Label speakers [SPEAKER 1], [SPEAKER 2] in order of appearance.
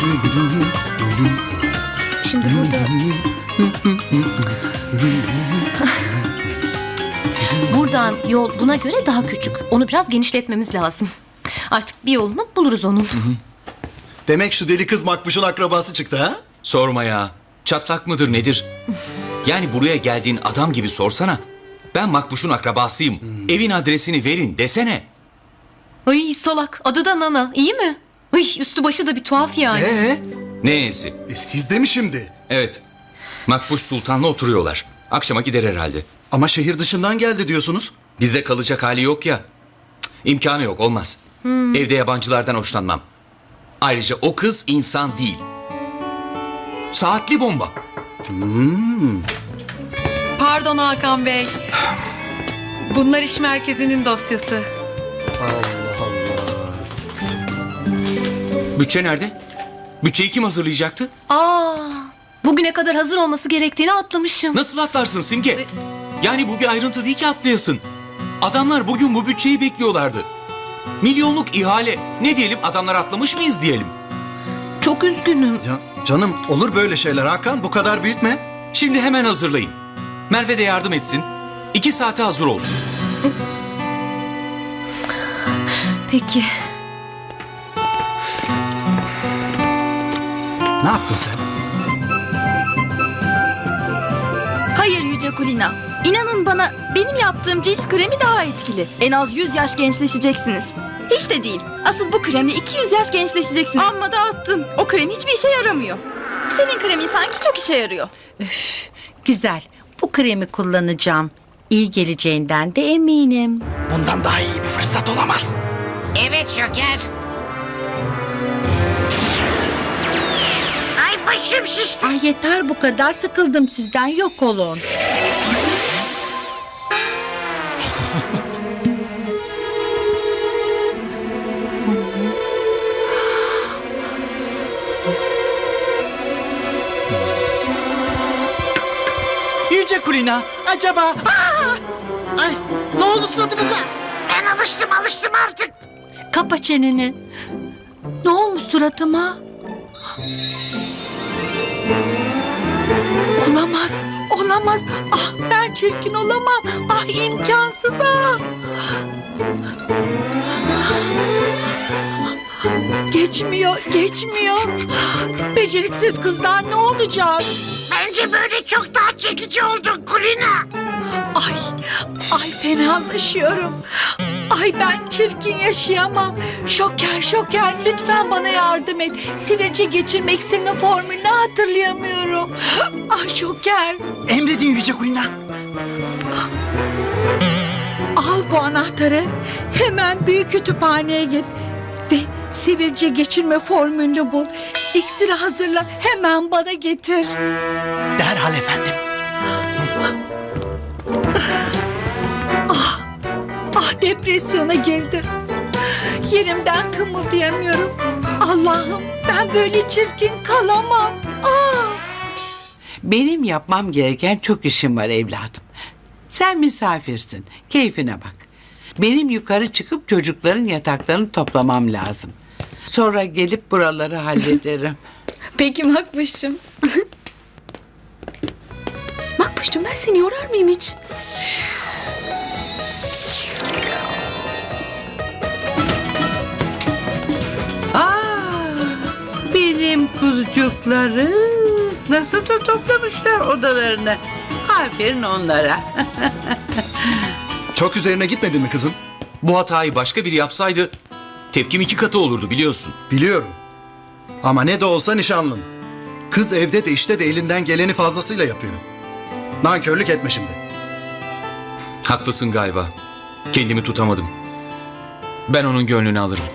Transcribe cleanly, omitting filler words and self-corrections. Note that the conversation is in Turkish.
[SPEAKER 1] Şimdi buradan yol buna göre daha küçük. Onu biraz genişletmemiz lazım. Artık bir yolunu buluruz onun.
[SPEAKER 2] Demek şu deli kız Makbuş'un akrabası çıktı ha?
[SPEAKER 3] Sorma ya. Çatlak mıdır nedir? Yani buraya geldiğin adam gibi sorsana. Ben Makbuş'un akrabasıyım. Evin adresini verin desene.
[SPEAKER 1] Ay salak. Adı da Nana. İyi mi? Ay üstü başı da bir tuhaf yani.
[SPEAKER 3] Neyse.
[SPEAKER 2] Siz de mi şimdi?
[SPEAKER 3] Evet. Makbuş Sultan'la oturuyorlar. Akşama gider herhalde.
[SPEAKER 2] Ama şehir dışından geldi diyorsunuz.
[SPEAKER 3] Bizde kalacak hali yok ya. Cık, İmkanı yok, olmaz. Evde yabancılardan hoşlanmam. Ayrıca o kız insan değil. Saatli bomba.
[SPEAKER 4] Pardon Hakan Bey. Bunlar iş merkezinin dosyası.
[SPEAKER 2] Allah Allah.
[SPEAKER 3] Bütçe nerede? Bütçeyi kim hazırlayacaktı?
[SPEAKER 1] Bugüne kadar hazır olması gerektiğini atlamışım.
[SPEAKER 3] Nasıl atlarsın Simge? Yani bu bir ayrıntı değil ki atlayasın. Adamlar bugün bu bütçeyi bekliyorlardı. Milyonluk ihale. Ne diyelim, adamlar atlamış mıyız diyelim.
[SPEAKER 1] Çok üzgünüm.
[SPEAKER 2] Ya canım, olur böyle şeyler Hakan, bu kadar büyütme.
[SPEAKER 3] Şimdi hemen hazırlayın. Merve de yardım etsin. 2 saate hazır olsun.
[SPEAKER 1] Peki.
[SPEAKER 2] Ne yaptın sen?
[SPEAKER 5] Hayır Yüce Kulina. İnanın bana, benim yaptığım cilt kremi daha etkili. En az 100 yaş gençleşeceksiniz. Hiç de değil. Asıl bu kremle 200 yaş gençleşeceksiniz. Amma da attın. O krem hiçbir işe yaramıyor. Senin kremin sanki çok işe yarıyor.
[SPEAKER 6] Güzel. Bu kremi kullanacağım. İyi geleceğinden de eminim.
[SPEAKER 2] Bundan daha iyi bir fırsat olamaz.
[SPEAKER 7] Evet Şoker. Ay başım şişti.
[SPEAKER 6] Ay yeter bu kadar, sıkıldım sizden, yok olun.
[SPEAKER 8] Yüce Kulina, acaba... Ay, ne oldu suratınıza?
[SPEAKER 7] Ben alıştım artık.
[SPEAKER 6] Kapa çeneni. Ne olmuş suratıma? Olamaz, olamaz. Ah ben çirkin olamam. Ah imkansız ah. Geçmiyor, geçmiyor. Beceriksiz kızlar ne olacak?
[SPEAKER 7] Bence böyle çok daha çekici oldun Kulina.
[SPEAKER 6] Ay fenalaşıyorum. Ay ben çirkin yaşayamam. Şoker lütfen bana yardım et. Sivilce geçirme iksirinin formülünü hatırlayamıyorum. Ay Şoker.
[SPEAKER 8] Emredin Yüce Kulina.
[SPEAKER 6] Al bu anahtarı. Hemen büyük kütüphaneye git. Ve sivilce geçirme formülünü bul. İksiri hazırla, hemen bana getir.
[SPEAKER 8] Derhal efendim.
[SPEAKER 6] Ah depresyona girdim. Yerimden kımıldayamıyorum. Allah'ım ben böyle çirkin kalamam.
[SPEAKER 9] Benim yapmam gereken çok işim var evladım. Sen misafirsin, keyfine bak. Benim yukarı çıkıp çocukların yataklarını toplamam lazım. Sonra gelip buraları hallederim.
[SPEAKER 1] Peki Makbuş'cum. Makbuş'cum ben seni yorar mıyım hiç?
[SPEAKER 9] Benim kuzucuklarım nasıl da toplamışlar odalarını. Aferin onlara.
[SPEAKER 2] Çok üzerine gitmedin mi kızın?
[SPEAKER 3] Bu hatayı başka biri yapsaydı tepkim 2 katı olurdu, biliyorsun.
[SPEAKER 2] Biliyorum. Ama ne de olsa nişanlın. Kız evde de işte de elinden geleni fazlasıyla yapıyor. Nankörlük etme şimdi.
[SPEAKER 3] Haklısın galiba. Kendimi tutamadım. Ben onun gönlünü alırım.